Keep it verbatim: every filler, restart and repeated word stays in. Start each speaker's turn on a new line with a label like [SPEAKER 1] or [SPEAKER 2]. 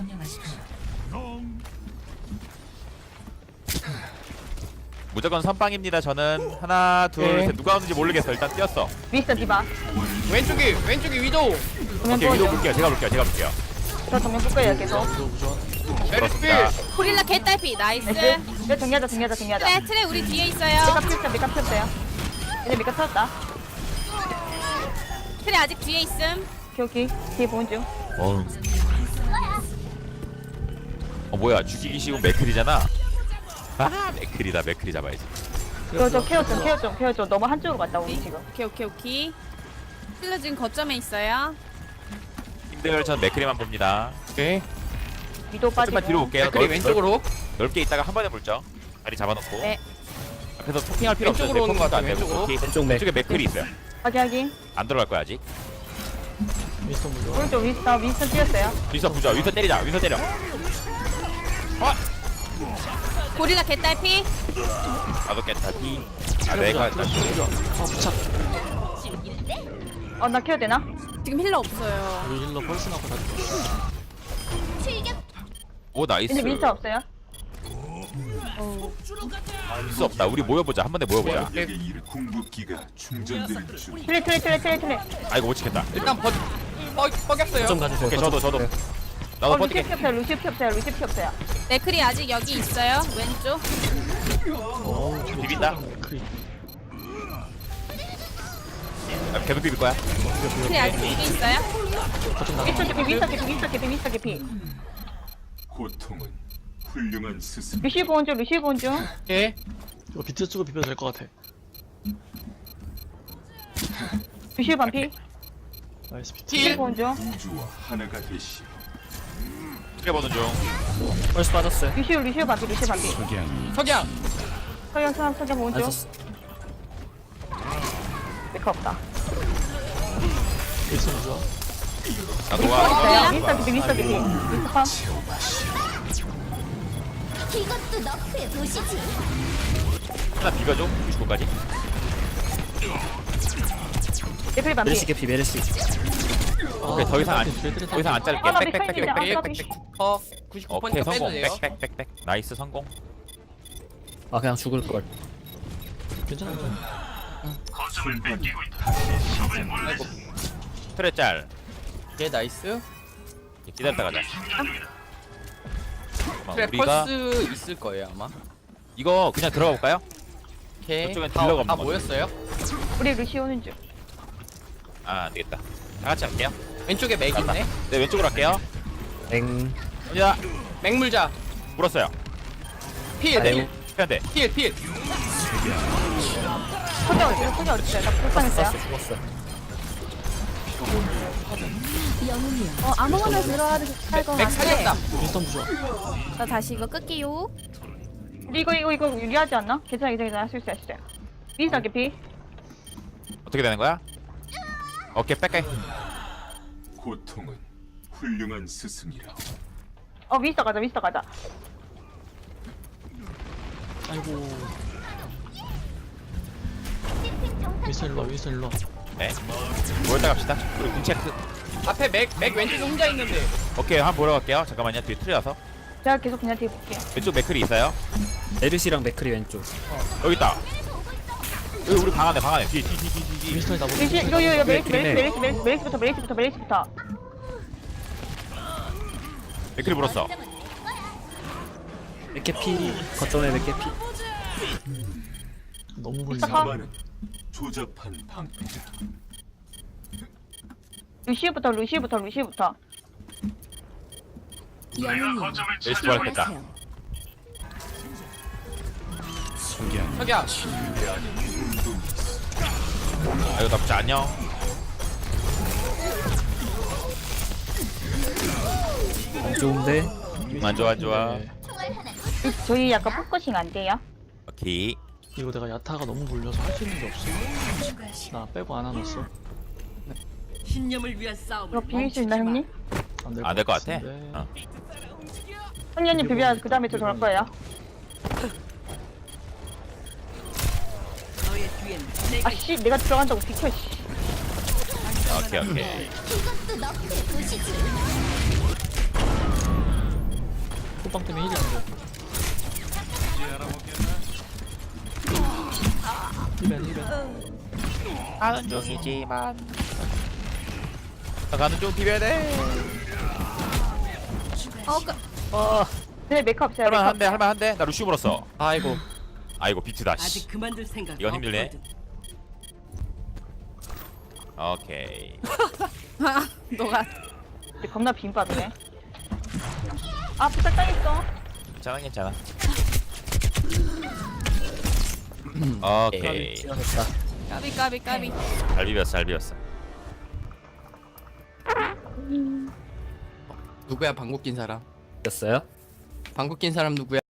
[SPEAKER 1] 무조건 선빵입니다. 저는 하나 둘
[SPEAKER 2] 네.
[SPEAKER 1] 셋 누가 오는지 모르겠어. 일단 뛰었어.
[SPEAKER 3] 미스터 디바.
[SPEAKER 4] 왼쪽이 왼쪽이 위도우.
[SPEAKER 3] 정면
[SPEAKER 1] 오케이 위도
[SPEAKER 3] 보여줘.
[SPEAKER 1] 볼게요. 제가 볼게요. 제가 볼게요.
[SPEAKER 3] 저 정면 볼 거예요 계속.
[SPEAKER 4] 메르스필.
[SPEAKER 5] 고릴라 개딸피 나이스.
[SPEAKER 3] 나이스. 이거 정리하자 정리하자 정리하자.
[SPEAKER 5] 트레 트레 우리 뒤에
[SPEAKER 3] 메카
[SPEAKER 5] 있어요.
[SPEAKER 3] 피었어요 메카 피었어요. 이제 메카 터졌다.
[SPEAKER 5] 트레 아직 뒤에 있음.
[SPEAKER 3] 오케이 오케이. 뒤에 보는 중.
[SPEAKER 1] 어. 어 뭐야 죽이기 쉬운 맥클이잖아. 아 맥클이다. 맥클이 잡아야지.
[SPEAKER 3] 저저 케어 좀 케어 좀 케어 좀. 너무 한쪽으로 갔다 우리 지금.
[SPEAKER 5] 오케이 오케이 오케이. 힐러 지금 거점에 있어요.
[SPEAKER 1] 힘들 전 맥클이만 봅니다.
[SPEAKER 4] 오케이.
[SPEAKER 3] 위도 빠지고.
[SPEAKER 1] 조금만 뒤로 볼게요.
[SPEAKER 4] 맥크리
[SPEAKER 1] 넓-
[SPEAKER 4] 왼쪽으로.
[SPEAKER 1] 넓게 있다가 한 번에 물죠. 다리 잡아놓고.
[SPEAKER 3] 네.
[SPEAKER 1] 앞에서 토킹할 필요 없어요.
[SPEAKER 4] 왼쪽으로 오는 것 같아요,
[SPEAKER 1] 안 되고.
[SPEAKER 4] 왼쪽으로.
[SPEAKER 1] 오케이.
[SPEAKER 2] 왼쪽 맥.
[SPEAKER 1] 왼쪽에 맥클이 있어요.
[SPEAKER 3] 확인 확인.
[SPEAKER 1] 안 들어갈 거야 아직.
[SPEAKER 2] 미스터 물려.
[SPEAKER 3] 오른쪽 윈스터 윈스터 뛰었어요.
[SPEAKER 1] 윈서 부자. 윈서 때리자. 윈서 때려.
[SPEAKER 5] 고릴라 개딸피.
[SPEAKER 1] 나도 깼다. 피. 아 내가 일단
[SPEAKER 2] 아 부착.
[SPEAKER 3] 어나 케어 되나?
[SPEAKER 5] 지금 힐러 없어요.
[SPEAKER 2] 우리 힐러 펄스 나고 다 죽었어.
[SPEAKER 1] 오 나이스.
[SPEAKER 3] 근데 윈스터 없어요.
[SPEAKER 1] 윈서 없다. 우리 모여보자. 한 번에 모여보자.
[SPEAKER 4] 네.
[SPEAKER 6] 궁극기가 충전될 중.
[SPEAKER 3] 트레 트레 트레 트레 트레.
[SPEAKER 1] 아이고 못 지켰다.
[SPEAKER 4] 일단 버 뻐, 뻐겼어요.
[SPEAKER 2] 좀 가주세요.
[SPEAKER 1] 오케이 저도 저도. 나도
[SPEAKER 3] 어 루시
[SPEAKER 1] 버티게.
[SPEAKER 3] 피 없어요 루시 피 없어요 루시 피 없어요.
[SPEAKER 5] 맥클이 아직 여기 있어요. 왼쪽.
[SPEAKER 2] 어,
[SPEAKER 1] 비빈다.
[SPEAKER 2] 크리.
[SPEAKER 1] 나 계속 비빌 거야.
[SPEAKER 5] 트레 아직 여기 있어요.
[SPEAKER 2] 거점 나가.
[SPEAKER 3] 윈스터 개피 윈스터 개피 윈스터 개피 윈스터 개피.
[SPEAKER 6] 고통은 훌륭한 스승.
[SPEAKER 3] 루시 보는 중 루시 보는 중.
[SPEAKER 4] 오케이.
[SPEAKER 2] 이거 비트 쓰고 비벼도 될 것 같아.
[SPEAKER 3] 루시 반피.
[SPEAKER 2] 나이스 비트.
[SPEAKER 3] 루시
[SPEAKER 4] 힐.
[SPEAKER 3] 보는 중.
[SPEAKER 6] 우주와 하나가 되시오.
[SPEAKER 1] 튀겨보는 중.
[SPEAKER 2] 펄스 빠졌어요.
[SPEAKER 3] 루시 루시 반피 루시 반피.
[SPEAKER 4] 석양.
[SPEAKER 3] 서양 사람 서양 보는
[SPEAKER 2] 안
[SPEAKER 3] 중.
[SPEAKER 2] 썼어.
[SPEAKER 3] 메카 없다.
[SPEAKER 2] 미스터 물려.
[SPEAKER 1] 나도
[SPEAKER 3] 윈스터
[SPEAKER 1] 와.
[SPEAKER 3] 있어요. 윈스터 개피 윈스터 개피. 윈스터 팜.
[SPEAKER 7] 이것도 너프의 도시지.
[SPEAKER 1] 하나 비벼줘. 구십구 까지.
[SPEAKER 3] 개피 반피.
[SPEAKER 2] 메르시 개피 메르시.
[SPEAKER 1] 오케이 더 이상 안 더 이상 안 자를게.
[SPEAKER 3] 하나
[SPEAKER 1] 빽빽빽빽.
[SPEAKER 3] 백
[SPEAKER 1] 빽빽.
[SPEAKER 4] 어 구십구
[SPEAKER 1] 오케이
[SPEAKER 4] 퍼센트 빼도
[SPEAKER 1] 성공.
[SPEAKER 4] 돼요.
[SPEAKER 1] 빽빽빽빽. 나이스 성공.
[SPEAKER 2] 아 그냥 죽을 걸. 괜찮아.
[SPEAKER 1] 트레 짤.
[SPEAKER 4] 오케이 나이스.
[SPEAKER 1] 기다렸다 가자. 어,
[SPEAKER 4] 그래
[SPEAKER 1] 우리가
[SPEAKER 4] 펄스 있을 거예요 아마.
[SPEAKER 1] 이거 그냥 들어가 볼까요?
[SPEAKER 4] 오케이.
[SPEAKER 1] 저쪽엔
[SPEAKER 4] 다,
[SPEAKER 1] 딜러가
[SPEAKER 4] 다
[SPEAKER 1] 없는 것
[SPEAKER 4] 모였어요.
[SPEAKER 3] 우리 루시 오는 중.
[SPEAKER 1] 아 안되겠다. 다 같이 할게요.
[SPEAKER 4] 왼쪽에 맥 있네.
[SPEAKER 1] 네 왼쪽으로 할게요.
[SPEAKER 2] 엥.
[SPEAKER 1] 야
[SPEAKER 4] 맥물자.
[SPEAKER 1] 물었어요.
[SPEAKER 4] 필. 필.
[SPEAKER 1] 피한대.
[SPEAKER 4] 필. 필.
[SPEAKER 3] 소자 어디요? 소자 어디요? 나 불쌍했어요.
[SPEAKER 2] 죽었어.
[SPEAKER 5] 어 아무거나 들어와도 할것
[SPEAKER 4] 맥
[SPEAKER 5] 같아.
[SPEAKER 4] 살렸다.
[SPEAKER 2] 미스터 부좋아.
[SPEAKER 5] 나 다시 이거 끌게요.
[SPEAKER 3] 우리 이거 이거 이거 유리하지 않나? 괜찮아 괜찮아 괜찮아 할수 있어 할수 있어. 윈스터 개피.
[SPEAKER 1] 어떻게 되는 거야? 오케이 빽빽.
[SPEAKER 6] 고통은 훌륭한 스승이라.
[SPEAKER 3] 어 윈스터 가자 윈스터 가자.
[SPEAKER 2] 아이고. 미스터 일로 와 미스터 일로 와.
[SPEAKER 1] 네. 모였다 갑시다. 우리 궁체크.
[SPEAKER 4] 앞에 맥 맥 왼쪽에 혼자 있는데.
[SPEAKER 1] 오케이 한번 보러 갈게요. 잠깐만요. 뒤에 틀려서.
[SPEAKER 3] 제가 계속 그냥 뒤에 볼게요.
[SPEAKER 1] 왼쪽 맥클이 있어요.
[SPEAKER 2] 메르시랑 맥크리 왼쪽.
[SPEAKER 1] 여기 있다. 여기 우리 방 안에 방 안에. 뒤에 뒤에 뒤에 뒤에 뒤에.
[SPEAKER 2] 미스터 나보.
[SPEAKER 3] 루시 이거 이거 이거 메리스 메리스 메리스 메리스 메리스부터 메리스부터 메리스부터.
[SPEAKER 1] 맥클이 물었어.
[SPEAKER 2] 맥개피. 거점에 맥개피. 너무 불리해.
[SPEAKER 6] 자만은 조잡한 방패다.
[SPEAKER 3] 루시부터 루시부터 루시부터.
[SPEAKER 1] 레이스 부활했다.
[SPEAKER 4] 석양.
[SPEAKER 1] 아 이거 나쁘지 않냐?
[SPEAKER 2] 안 좋은데.
[SPEAKER 1] 안 좋아 안 좋아.
[SPEAKER 2] 네.
[SPEAKER 3] 저희 약간 포커싱 안 돼요?
[SPEAKER 1] 오케이.
[SPEAKER 2] 이거 내가 야타가 너무 물려서 할 수 있는 게 없어. 나 빼고 안 하놨어.
[SPEAKER 3] 이거 비빌 수 있나 형님?
[SPEAKER 1] 안 될 것 같아. 어.
[SPEAKER 3] 형님 비벼 그 다음에 저 돌 거예요. 아씨 내가 들어간다고 비켜 씨.
[SPEAKER 1] 오케이 오케이.
[SPEAKER 7] 이것도 너프의 도시지.
[SPEAKER 2] 안방 때문에 힐이 안돼. 힐벤 힐벤.
[SPEAKER 1] 가는 중이지만 나 가는 중 비벼야 돼.
[SPEAKER 5] 어, 그,
[SPEAKER 1] 어
[SPEAKER 3] 네 메이크업 없어요. 메이크업.
[SPEAKER 1] 할만한데 할만한데 나 루시우 물었어.
[SPEAKER 4] 아이고.
[SPEAKER 1] 아이고 비트다.
[SPEAKER 8] 아직
[SPEAKER 1] 씨.
[SPEAKER 8] 그만둘 생각.
[SPEAKER 1] 이건 힘들네.
[SPEAKER 8] 없거든.
[SPEAKER 1] 오케이.
[SPEAKER 5] 아, 너가.
[SPEAKER 3] 근데 겁나 빈 빠지네. 아 부탁 당했어.
[SPEAKER 1] 괜찮아 괜찮아. 오케이.
[SPEAKER 5] 까비, 까비, 까비.
[SPEAKER 1] 잘 비볐어 잘 비볐어.
[SPEAKER 4] 누구야 방구 낀 사람?
[SPEAKER 9] 였어요?
[SPEAKER 4] 방구 낀 사람 누구야?